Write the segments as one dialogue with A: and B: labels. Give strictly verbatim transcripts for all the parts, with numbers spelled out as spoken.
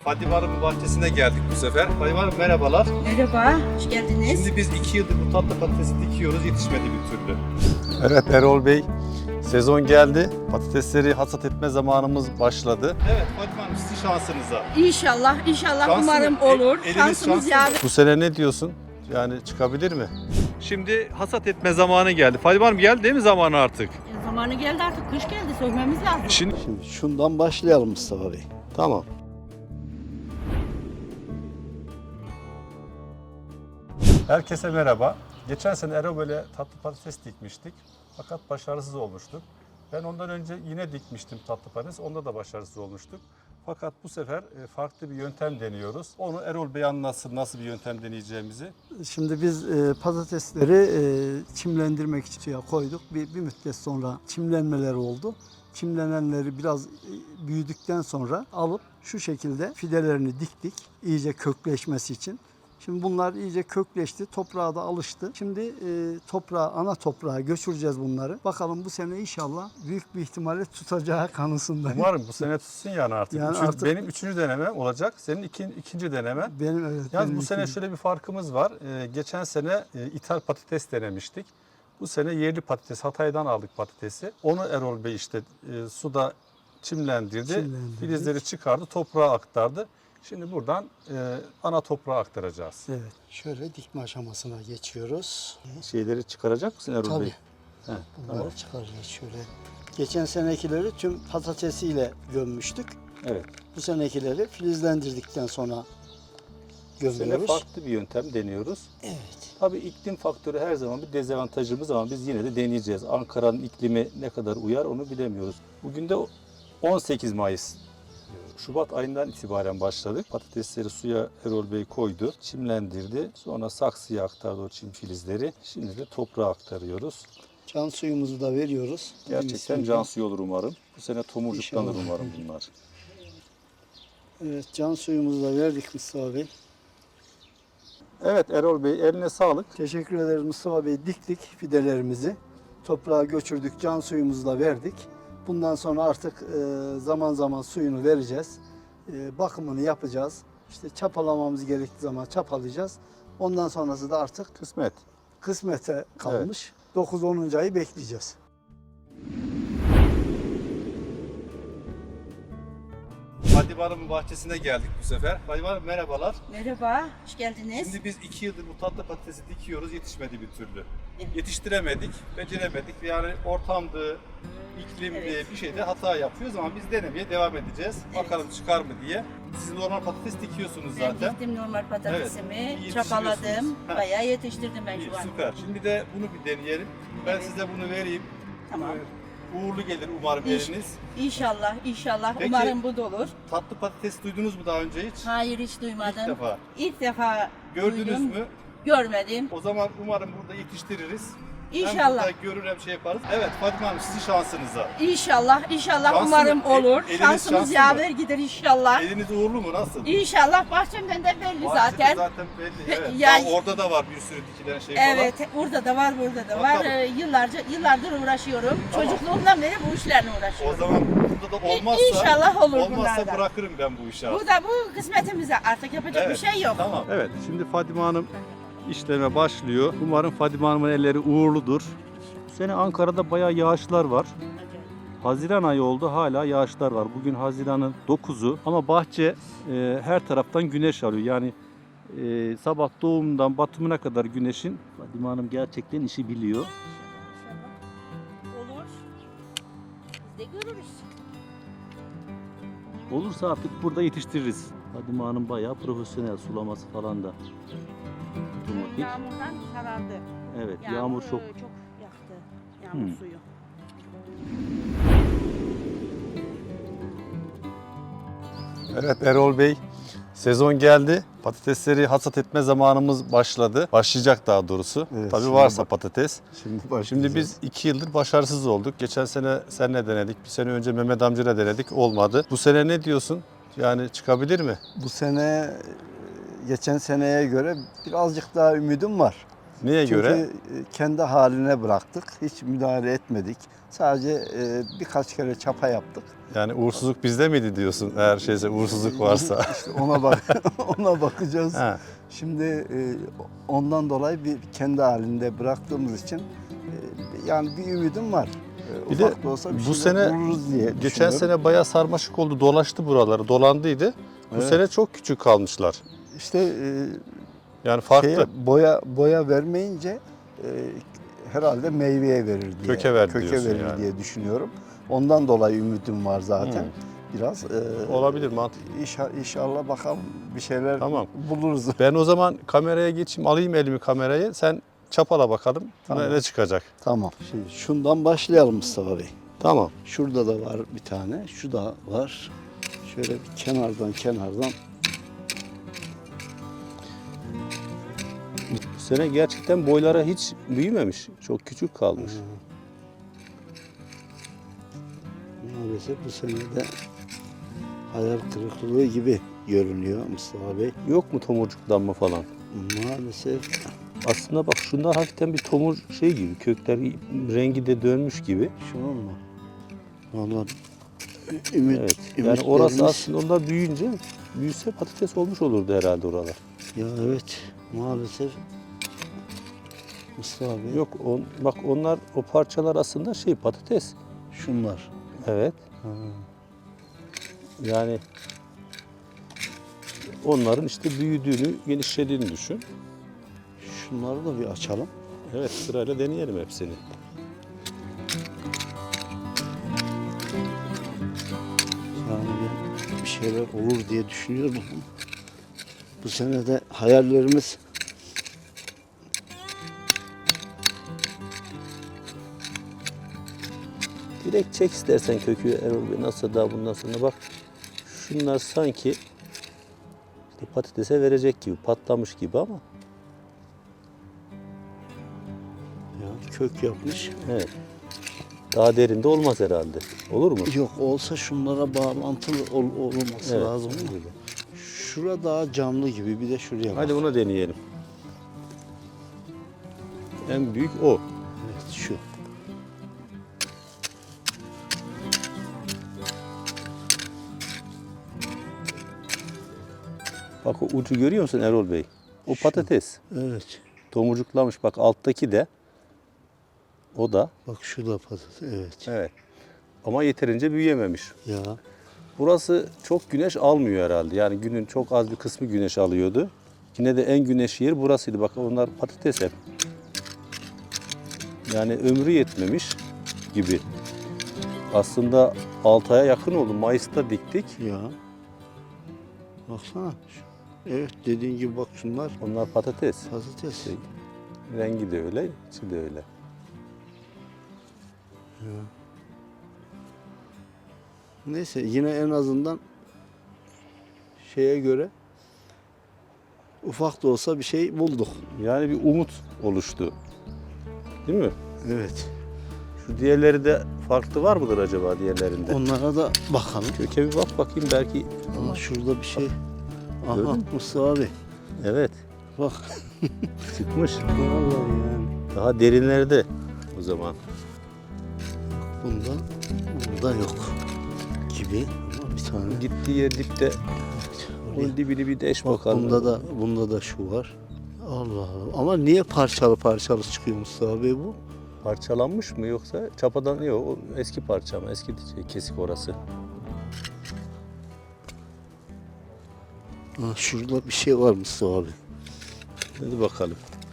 A: Fadime Hanım'ın bahçesine geldik bu sefer. Fadime Hanım merhabalar.
B: Merhaba, hoş geldiniz.
A: Şimdi biz iki yıldır bu tatlı patatesi dikiyoruz, yetişmedi bir türlü.
C: Evet Erol Bey, sezon geldi. Patatesleri hasat etme zamanımız başladı.
A: Evet Fadime Hanım sizin şansınıza.
B: İnşallah, inşallah
A: Şanslı
B: umarım
A: mı?
B: olur.
A: Eliniz
B: Şansımız
A: şanslı
B: yaver.
C: Bu sene ne diyorsun? Yani çıkabilir mi?
A: Şimdi hasat etme zamanı geldi. Fadime Hanım geldi değil mi zamanı artık?
B: E, zamanı geldi artık, kış geldi, sökmemiz lazım.
A: Şimdi
D: Şimdi şundan başlayalım Mustafa Bey.
C: Tamam. Herkese merhaba. Geçen sene Erol böyle tatlı patates dikmiştik. Fakat başarısız olmuştuk. Ben ondan önce yine dikmiştim tatlı patates. Onda da başarısız olmuştuk. Fakat bu sefer farklı bir yöntem deniyoruz. Onu Erol Bey anlatsın nasıl bir yöntem deneyeceğimizi.
D: Şimdi biz e, patatesleri e, çimlendirmek için suya koyduk. Bir, bir müddet sonra çimlenmeler oldu. Çimlenenleri biraz e, büyüdükten sonra alıp şu şekilde fidelerini diktik. İyice kökleşmesi için. Şimdi bunlar iyice kökleşti, toprağa da alıştı. Şimdi e, toprağa, ana toprağa göçüreceğiz bunları. Bakalım bu sene inşallah büyük bir ihtimalle tutacağı kanısındayım.
C: Umarım bu sene tutsun yani artık.
D: Yani
C: Çünkü
D: artık-
C: benim üçüncü denemem olacak. Senin iki, ikinci denemen.
D: Benim evet.
C: Yalnız
D: benim
C: bu sene
D: için-
C: şöyle bir farkımız var. Ee, geçen sene e, ithal patates denemiştik. Bu sene yerli patates, Hatay'dan aldık patatesi. Onu Erol Bey işte e, suda çimlendirdi.
D: Çimlendirdik.
C: Filizleri çıkardı, toprağa aktardı. Şimdi buradan e, ana toprağa aktaracağız.
D: Evet. Şöyle dikme aşamasına geçiyoruz.
C: Şeyleri çıkaracak mısın Erol
D: Tabii.
C: Bey? He,
D: Bunları
C: tamam.
D: çıkaracağız şöyle. Geçen senekileri tüm patatesiyle gömmüştük.
C: Evet.
D: Bu senekileri filizlendirdikten sonra
C: Bu sene
D: gömüyoruz.
C: farklı bir yöntem deniyoruz.
D: Evet.
C: Tabii iklim faktörü her zaman bir dezavantajımız ama biz yine de deneyeceğiz. Ankara'nın iklimi ne kadar uyar onu bilemiyoruz. Bugün de on sekiz Mayıs. Şubat ayından itibaren başladık. Patatesleri suya Erol Bey koydu, çimlendirdi. Sonra saksıya aktardı o çim filizleri. Şimdi de toprağa aktarıyoruz.
D: Can suyumuzu da veriyoruz.
C: Gerçekten can suyu olur umarım. Bu sene tomurcuklanır
D: İnşallah.
C: umarım bunlar.
D: Evet, can suyumuzu da verdik Mustafa Bey.
C: Evet Erol Bey eline sağlık.
D: Teşekkür ederiz Mustafa Bey. Diktik fidelerimizi. Toprağa göçürdük, can suyumuzu da verdik. Bundan sonra artık e, zaman zaman suyunu vereceğiz. E, bakımını yapacağız. İşte çapalamamız gerektiği zaman çapalayacağız. Ondan sonrası da artık
C: Kısmet.
D: kısmete kalmış. dokuz onuncu ayı bekleyeceğiz.
A: Fadime Hanım'ın bahçesine geldik bu sefer. Fadime Hanım merhabalar.
B: Merhaba, hoş geldiniz.
A: Şimdi biz iki yıldır bu tatlı patatesi dikiyoruz, yetişmedi bir türlü.
B: Evet.
A: Yetiştiremedik, beceremedik. Yani ortamdı, iklimdi,
B: Evet.
A: bir şeyde hata yapıyoruz ama biz denemeye devam edeceğiz.
B: Evet.
A: Bakalım çıkar mı diye. Siz normal patates dikiyorsunuz
B: Ben
A: zaten.
B: diktim normal patatesimi,
A: Evet,
B: çapaladım,
A: yetiştiriyorsunuz. Ha.
B: bayağı yetiştirdim ben
A: İyi,
B: şu an.
A: süper. Şimdi de bunu bir deneyelim. Ben
B: Evet.
A: size bunu vereyim.
B: Tamam.
A: Ee, Uğurlu gelir umarım
B: İş-
A: eliniz.
B: İnşallah, inşallah.
A: Peki.
B: Umarım bu da olur.
A: Tatlı patates duydunuz mu daha önce hiç?
B: Hayır, hiç duymadım.
A: İlk defa.
B: İlk defa
A: Gördünüz
B: duydum.
A: mü?
B: Görmedim.
A: O zaman umarım burada yetiştiririz. Hem
B: İnşallah.
A: burada görür hem şey yaparız. Evet Fadime Hanım sizin şansınıza.
B: İnşallah, inşallah
A: Şanslı
B: umarım
A: mı? E-
B: olur.
A: eliniz
B: Şansımız
A: şanslı
B: yaver gider inşallah.
A: Eliniz uğurlu mu? Nasıl?
B: İnşallah bahçemden de belli
A: Bahçede
B: zaten.
A: zaten belli. Evet.
B: Yani-
A: Daha orada da var bir sürü dikilen şey
B: Evet, orada da var, burada da var.
A: Bakalım.
B: Ee, yıllarca, yıllardır uğraşıyorum.
A: Tamam.
B: Çocukluğumdan beri bu işlerle
A: falan. O
B: uğraşıyorum.
A: zaman burada da olmazsa,
B: İnşallah olur
A: olmazsa
B: bunlardan.
A: bırakırım ben bu işi artık.
B: Bu da bu kısmetimize artık yapacak
A: Evet,
B: bir şey yok.
A: Tamam.
C: Evet şimdi Fadime Hanım işleme başlıyor. Umarım Fadime Hanım'ın elleri uğurludur. Bu sene Ankara'da bayağı yağışlar var. Haziran ayı oldu hala yağışlar var. Bugün Haziran'ın dokuzu ama bahçe e, her taraftan güneş alıyor. Yani e, sabah doğumundan batımına kadar güneşin. Fadime Hanım gerçekten işi biliyor.
B: Olur. Biz de görürüz.
C: Olursa artık burada yetiştiririz. Fadime Hanım bayağı profesyonel, sulaması falan da otomatik.
B: Yağmurdan sarardı.
C: Evet yağmur çok.
B: e, çok yaktı. Yağmur
C: Hmm.
B: suyu.
C: Evet Erol Bey, sezon geldi. Patatesleri hasat etme zamanımız başladı. Başlayacak daha doğrusu.
D: Evet,
C: Tabii
D: şimdi
C: varsa
D: bak-
C: patates.
D: Şimdi
C: Şimdi biz iki yıldır başarısız olduk. Geçen sene seninle denedik. Bir sene önce Mehmet amcayla denedik. Olmadı. Bu sene ne diyorsun? Yani çıkabilir mi?
D: bu sene geçen seneye göre birazcık daha ümidim var.
C: Neye
D: Çünkü
C: göre?
D: e, kendi haline bıraktık. Hiç müdahale etmedik. Sadece e, birkaç kere çapa yaptık.
C: Yani uğursuzluk bizde miydi diyorsun? Eğer şeyse uğursuzluk varsa.
D: İşte ona bak ona bakacağız.
C: Ha.
D: Şimdi e, ondan dolayı bir kendi halinde bıraktığımız için e, yani bir ümidim var. E,
C: Bir de
D: ufak da olsa bir
C: bu
D: şeyler
C: sene-
D: buluruz diye
C: Geçen
D: düşünüyorum.
C: sene bayağı sarmaşık oldu, dolaştı buraları, dolandıydı. Bu
D: Evet.
C: sene çok küçük kalmışlar.
D: İşte e,
C: Yani farklı.
D: şeye, boya boya vermeyince e, herhalde meyveye verir diye.
C: Köke ver
D: köke
C: diyorsun
D: verir
C: yani.
D: diye düşünüyorum. Ondan dolayı ümidim var zaten.
C: Hmm.
D: Biraz e,
C: Olabilir, mantıklı.
D: inşa- İnşallah bakalım bir şeyler
C: Tamam.
D: buluruz.
C: Ben o zaman kameraya geçeyim, alayım elimi kamerayı. Sen çapala bakalım
D: Tamam.
C: ne çıkacak.
D: Tamam. Şimdi şundan başlayalım Mustafa Bey.
C: Tamam.
D: Şurada da var bir tane. Şu da var. Şöyle bir kenardan kenardan.
C: Bu sene gerçekten boylara hiç büyümemiş. Çok küçük kalmış.
D: Maalesef bu sene de hayal kırıklığı gibi görünüyor Mustafa Bey.
C: Yok mu tomurcuklanma falan?
D: Maalesef
C: Aslında bak şunlar hafiften bir tomur şey gibi, kökler rengi de dönmüş gibi.
D: şunun mu? Vallahi ümit,
C: Evet. Yani orası
D: ümitlerimiz-
C: aslında onlar büyüyünce, büyüse patates olmuş olurdu herhalde oralar.
D: Ya evet maalesef Mustafa Bey.
C: Yok on, bak onlar o parçalar aslında şey patates.
D: Şunlar.
C: Evet. Yani onların işte büyüdüğünü, genişlediğini düşün.
D: Şunları da bir açalım.
C: Evet, sırayla deneyelim hepsini.
D: Yani bir- bir şeyler olur diye düşünüyorum. Bu sene de hayallerimiz
C: Direkt çek istersen kökü Erol Bey. Nasıl daha bundan sonra bak. Şunlar sanki işte patatese verecek gibi, patlamış gibi ama.
D: ya, kök yapmış.
C: Evet. Daha derinde olmaz herhalde. Olur mu?
D: Yok olsa şunlara bağlantılı ol- olması
C: Evet.
D: lazım. Şura daha canlı gibi bir de şuraya bak.
C: Hadi bunu deneyelim. En büyük o.
D: Evet şu.
C: Bak o ucu görüyor musun Erol Bey? O
D: Şu.
C: patates.
D: Evet.
C: Tomurcuklamış. Bak alttaki de. O da.
D: Bak şu da patates. Evet.
C: Evet. Ama yeterince büyüyememiş.
D: Ya
C: Burası çok güneş almıyor herhalde. Yani günün çok az bir kısmı güneş alıyordu. Yine de en güneşli yer burasıydı. Bak onlar patates hep. Yani ömrü yetmemiş gibi. Aslında altı aya yakın oldu. Mayıs'ta diktik.
D: ya. Baksana. Evet dediğin gibi bak şunlar
C: Onlar patates.
D: patates.
C: Şey, rengi de öyle, içi de öyle.
D: Neyse yine en azından şeye göre ufak da olsa bir şey bulduk.
C: Yani bir umut oluştu. Değil mi?
D: Evet.
C: Şu diğerleri de farklı var mıdır acaba diğerlerinde?
D: Onlara da bakalım.
C: Köke bir bak bakayım belki.
D: Ama şurada bir şey. Aha
C: Gördün mü?
D: Mustafa abi.
C: Evet,
D: Bak.
C: çıkmış.
D: Vallahi yani.
C: Daha derinlerde o zaman.
D: Bunda burada yok gibi. Ama bir tane.
C: Gittiği yer dipte. Onun dibini bir deş
D: Bak
C: bakalım.
D: bunda da bunda da şu var. Allah Allah. Ama niye parçalı parçalı çıkıyor Mustafa abi bu?
C: Parçalanmış mı yoksa çapadan yok o eski parça mı eski şey, kesik orası.
D: Ha, şurada bir şey var Mustafa abi.
C: Hadi bakalım.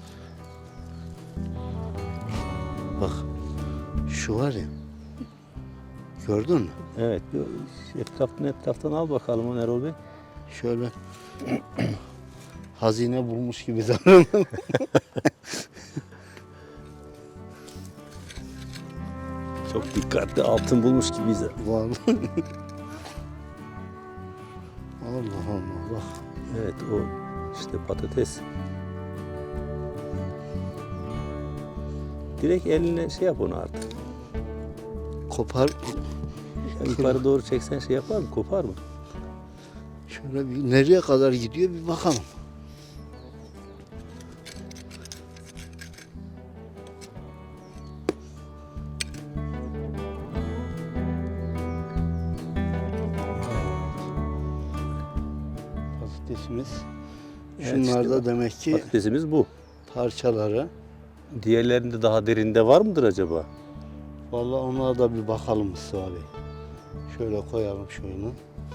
D: Bak. Şu var ya. Gördün mü?
C: Evet bir etraftan etraftan al bakalım onu Erol Bey.
D: Şöyle hazine bulmuş gibi davranıyor.
C: Çok dikkatli altın bulmuş gibiyiz.
D: Vallahi. Allah Allah bak.
C: Evet o işte patates. Direkt eline şey yap onu artık.
D: Kopar.
C: Yani yukarı doğru çeksen şey yapar mı? Kopar mı?
D: Şöyle bir nereye kadar gidiyor bir bakalım. patatesimiz.
C: Evet,
D: Şunlar
C: işte
D: da
C: bak,
D: demek ki
C: Patatesimiz bu.
D: parçaları.
C: Diğerlerinde daha derinde var mıdır acaba?
D: Vallahi onlara da bir bakalım Mustafa Bey. Şöyle koyalım şunu.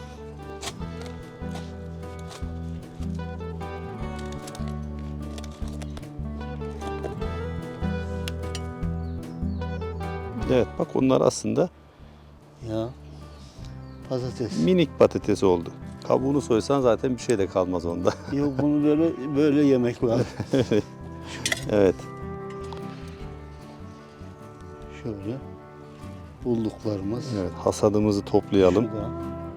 C: Evet bak onlar aslında
D: Ya patates.
C: minik patates oldu. Kabuğunu soysan zaten bir şey de kalmaz onda.
D: Yok bunu böyle böyle yemek lazım.
C: Evet.
D: Şöyle bulduklarımız.
C: Evet, hasadımızı toplayalım.
D: Şurada.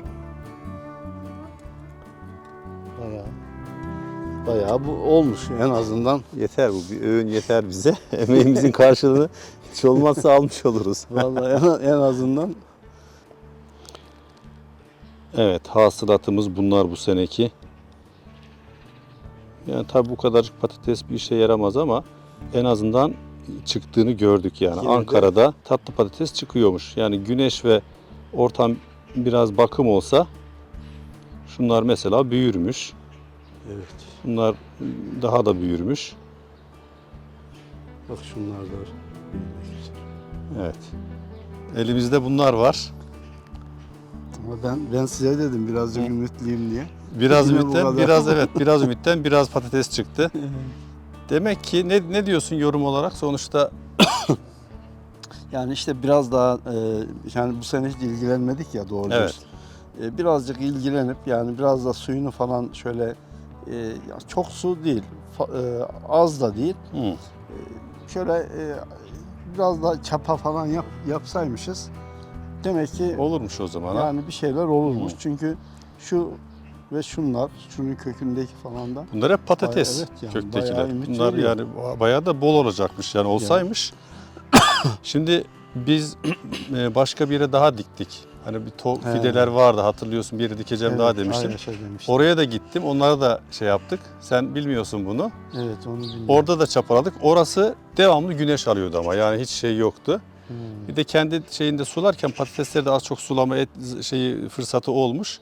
D: Bayağı bayağı bu olmuş en azından.
C: Yeter bu bir öğün yeter bize. Emeğimizin karşılığını hiç olmazsa almış oluruz.
D: Vallahi en, en azından
C: Evet, hasılatımız bunlar bu seneki. Yani tabii bu kadarcık patates bir işe yaramaz ama en azından çıktığını gördük yani.
D: Yine de-
C: Ankara'da tatlı patates çıkıyormuş. Yani güneş ve ortam biraz bakım olsa şunlar mesela büyürmüş.
D: evet.
C: Bunlar daha da büyürmüş.
D: Bak şunlar da var.
C: Evet. Elimizde bunlar var.
D: Ama ben ben size dedim birazcık ümitliyim diye.
C: Biraz
D: Yine bu
C: ümitten,
D: kadar.
C: biraz evet, biraz ümitten, biraz patates çıktı. Demek ki ne ne diyorsun yorum olarak? Sonuçta
D: Yani işte biraz daha e, yani bu sene hiç ilgilenmedik ya doğru
C: Evet.
D: dürüst. E, birazcık ilgilenip yani biraz da suyunu falan şöyle e, ya çok su değil, fa- e, az da değil.
C: hı,
D: Şöyle e, biraz daha çapa falan yap, yapsaymışız. Demek ki
C: olurmuş o zaman. ha.
D: yani bir şeyler olurmuş.
C: Hı.
D: Çünkü şu ve şunlar, şunun kökündeki falan da
C: Bunlar hep patates
D: Bayağı- evet yani
C: köktekiler.
D: bayağı ümit
C: Bunlar
D: veriyor.
C: yani bayağı da bol olacakmış yani olsaymış. Şimdi biz e, başka bir yere daha diktik. Hani bir to-
D: He.
C: fideler vardı hatırlıyorsun bir yere dikeceğim daha
D: Evet,
C: demiştim.
D: aynı şey demiştim.
C: Oraya da gittim. Onlara da şey yaptık. Sen bilmiyorsun bunu.
D: Evet onu bilmiyorum.
C: Orada da çapaladık. Orası devamlı güneş alıyordu ama yani hiç şey yoktu.
D: Hmm.
C: Bir de kendi şeyinde sularken patatesleri de az çok sulama et, şeyi fırsatı olmuş.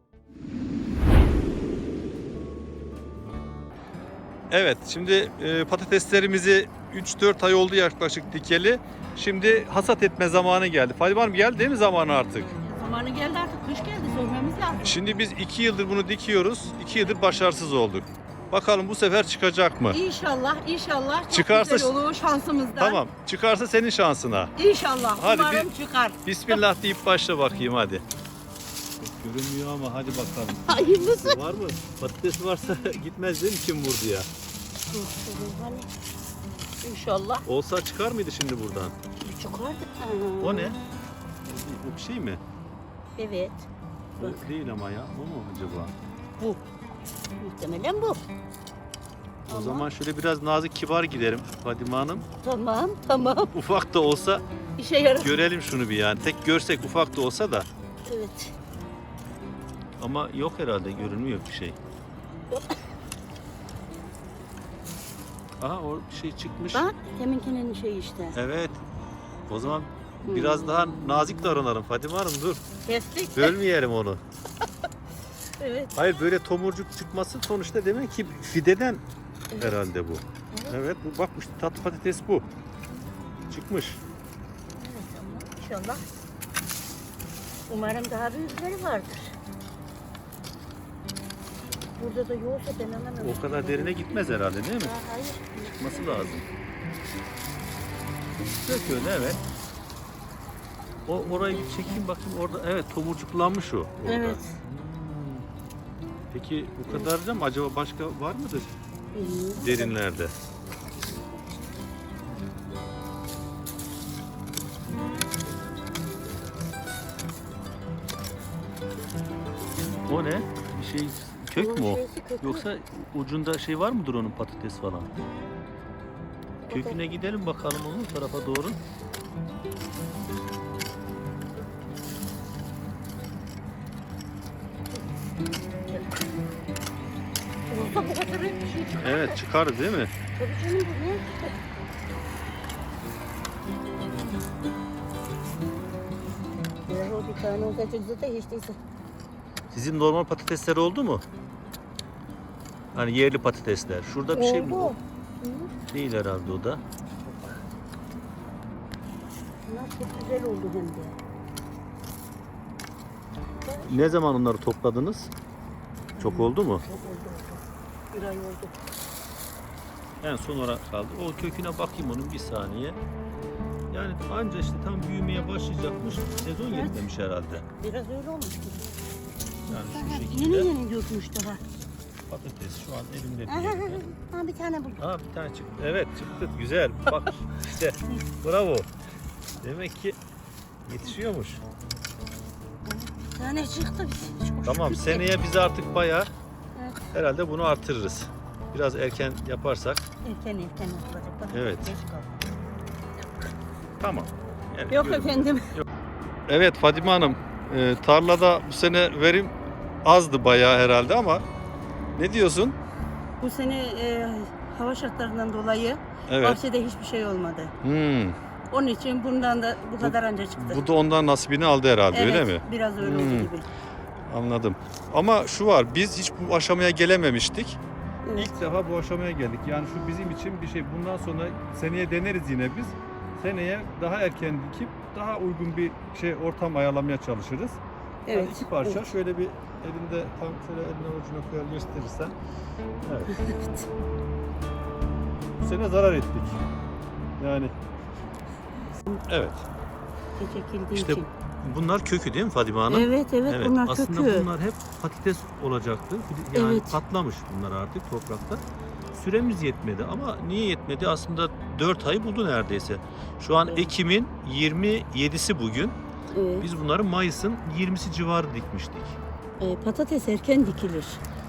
C: Evet, şimdi e, patateslerimizi üç dört ay oldu yaklaşık dikeli. Şimdi hasat etme zamanı geldi. Fadime Hanım geldi değil mi zamanı artık?
B: Zamanı geldi artık. Kış geldi. Sormamız lazım.
C: Şimdi biz iki yıldır bunu dikiyoruz. iki yıldır başarısız olduk. Bakalım bu sefer çıkacak mı?
B: İnşallah, inşallah. Çok
C: Çıkarsa-
B: güzel olur şansımızdan.
C: Tamam, çıkarsa senin şansına.
B: İnşallah.
C: Hadi
B: Umarım çıkar.
C: Bismillah deyip başla bakayım hadi. Görünmüyor ama hadi bakalım.
B: Hayırlısı.
C: Var mı? Patates varsa gitmez değil mi kim vurdu ya?
B: İnşallah.
C: Olsa çıkar mıydı şimdi buradan?
B: Çıkardık.
C: O ne? Bu bir şey mi?
B: Evet.
C: O değil ama ya. O mu acaba?
B: Bu. Muhtemelen bu.
C: O
B: Ama-
C: zaman şöyle biraz nazik kibar giderim Fadime Hanım.
B: Tamam, tamam.
C: Ufak da olsa
B: İşe yarar.
C: görelim şunu bir yani. Tek görsek ufak da olsa da.
B: Evet.
C: Ama yok herhalde görünmüyor bir şey.
B: Yok.
C: Aha o şey çıkmış.
B: Bak, teminkinin şeyi işte.
C: Evet. O zaman biraz daha nazik davranalım Fadime Hanım dur.
B: Kestik.
C: Bölmeyelim onu.
B: Evet.
C: Hayır böyle tomurcuk çıkması sonuçta demek ki fideden
B: Evet.
C: herhalde bu. Evet bu bak işte tatlı patates bu. Çıkmış.
B: İnşallah. Umarım daha büyükleri vardır. Burada da yoksa ben anlamıyorum.
C: O kadar derine gitmez herhalde değil mi?
B: Ha, hayır.
C: Çıkması lazım. Dök öyle evet. O orayı bir çekeyim bakayım orada evet tomurcuklanmış o. Orada.
B: Evet.
C: Peki bu kadarca mı acaba başka var mıdır
B: Bilmiyorum.
C: derinlerde? O ne? Bir şey kök mü o?
B: Şeysi kökü.
C: Yoksa ucunda şey var mıdır onun patates falan? Köküne gidelim bakalım onun tarafa doğru.
B: Olsa bu kadar bir şey çıkar.
C: Evet çıkar değil mi?
B: Tabii canım bu ne? Eğer o bir tane olsa zaten hiç değilse.
C: Sizin normal patatesler oldu mu? Hani yerli patatesler. Şurada bir şey mi?
B: Oldu.
C: Değil herhalde o da.
B: Bunlar çok güzel oldu hem de.
C: Ne zaman onları topladınız? Çok oldu mu?
B: Çok oldu oldu. Bir ay oldu.
C: En son olarak kaldı. O köküne bakayım onun bir saniye. Yani anca işte tam büyümeye başlayacakmış. Sezon
B: Evet.
C: yetmemiş herhalde.
B: Biraz öyle olmuş gibi.
C: Yani şu
B: Yeni
C: şekilde
B: yeni dökmüş daha.
C: patates şu an elimde
B: Aha,
C: değil.
B: ha, bir tane buldum.
C: Aa bir tane çıktı. Evet çıktı. Güzel. Bak işte. Bravo. Demek ki yetişiyormuş.
B: Bir tane çıktı. Çok
C: Tamam
B: şükür.
C: seneye biz artık bayağı
B: Evet.
C: herhalde bunu artırırız. Biraz erken yaparsak.
B: Erken erken yapılacak. Bak,
C: Evet.
B: geç kaldı.
C: Tamam. Yani
B: Yok
C: görün.
B: efendim.
C: Evet Fadime Hanım, e, tarlada bu sene verim azdı bayağı herhalde ama ne diyorsun?
B: Bu sene e, hava şartlarından dolayı
C: Evet.
B: bahçede hiçbir şey olmadı.
C: Hmm,
B: Onun için bundan da bu kadar anca çıktı.
C: bu da ondan nasibini aldı herhalde
B: evet,
C: öyle mi?
B: biraz öyle
C: Hmm.
B: oldu gibi.
C: Anladım. Ama şu var, biz hiç bu aşamaya gelememiştik.
B: Evet.
A: İlk defa bu aşamaya geldik. Yani şu bizim için bir şey. Bundan sonra seneye deneriz yine biz. Seneye daha erken dikip daha uygun bir şey ortam ayarlamaya çalışırız.
B: Evet.
A: Yani iki parça
B: evet.
A: şöyle bir elinde tam şöyle eline ucuna koyar gösterirsen. Evet.
B: Evet.
A: Bu sene zarar ettik. Yani
C: Evet.
B: Gece ekildiği
C: İşte
B: için.
C: bunlar kökü değil mi Fadime Hanım?
B: Evet, evet bunlar
C: aslında
B: kökü.
C: bunlar hep patates olacaktı. Yani
B: Evet.
C: patlamış bunlar artık toprakta. Süremiz yetmedi ama niye yetmedi? Aslında dört ay buldu neredeyse. Şu an
B: Evet.
C: Ekim'in yirmi yedisi bugün.
B: Evet.
C: Biz bunları Mayıs'ın yirmisi civarı dikmiştik.
B: E, patates erken dikilir.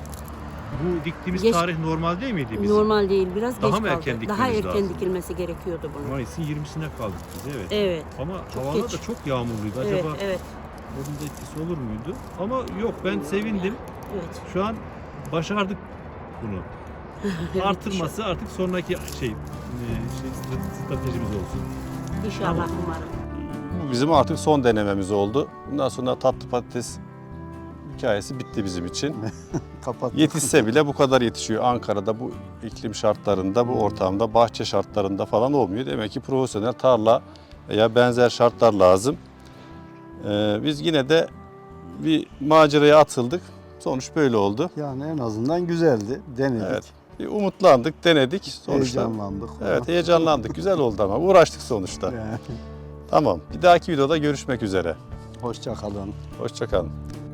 C: Bu diktiğimiz
B: Geç-
C: tarih normal değil miydi bizim?
B: Normal değil, biraz
C: Daha
B: geç
C: mı
B: kaldı.
C: erken
B: Daha
C: dikmemiz
B: erken
C: lazım?
B: dikilmesi gerekiyordu bunun.
C: Mayıs'ın yirmisine kaldık biz evet.
B: Evet,
C: Ama
B: Çok
C: havalar
B: geç.
C: da çok yağmurluydu.
B: evet,
C: Acaba
B: evet,
C: onun da etkisi olur muydu? Ama yok ben sevindim.
B: evet.
C: Şu an başardık bunu. Artırması artık sonraki şey, e, şey stratejimiz olsun.
B: İnşallah umarım.
C: Bu bizim artık son denememiz oldu. Bundan sonra tatlı patates hikayesi bitti bizim için.
D: Kapat.
C: Yetişse bile bu kadar yetişiyor. Ankara'da bu iklim şartlarında, bu ortamda, bahçe şartlarında falan olmuyor. Demek ki profesyonel tarla veya benzer şartlar lazım. Ee, biz yine de bir maceraya atıldık. Sonuç böyle oldu.
D: Yani en azından güzeldi. Denedik.
C: Evet. Bir umutlandık, denedik. Sonuçta
D: Heyecanlandık.
C: evet heyecanlandık. Güzel oldu ama uğraştık sonuçta.
D: Yani,
C: Tamam. Bir dahaki videoda görüşmek üzere.
D: hoşça kalın.
C: Hoşça kalın.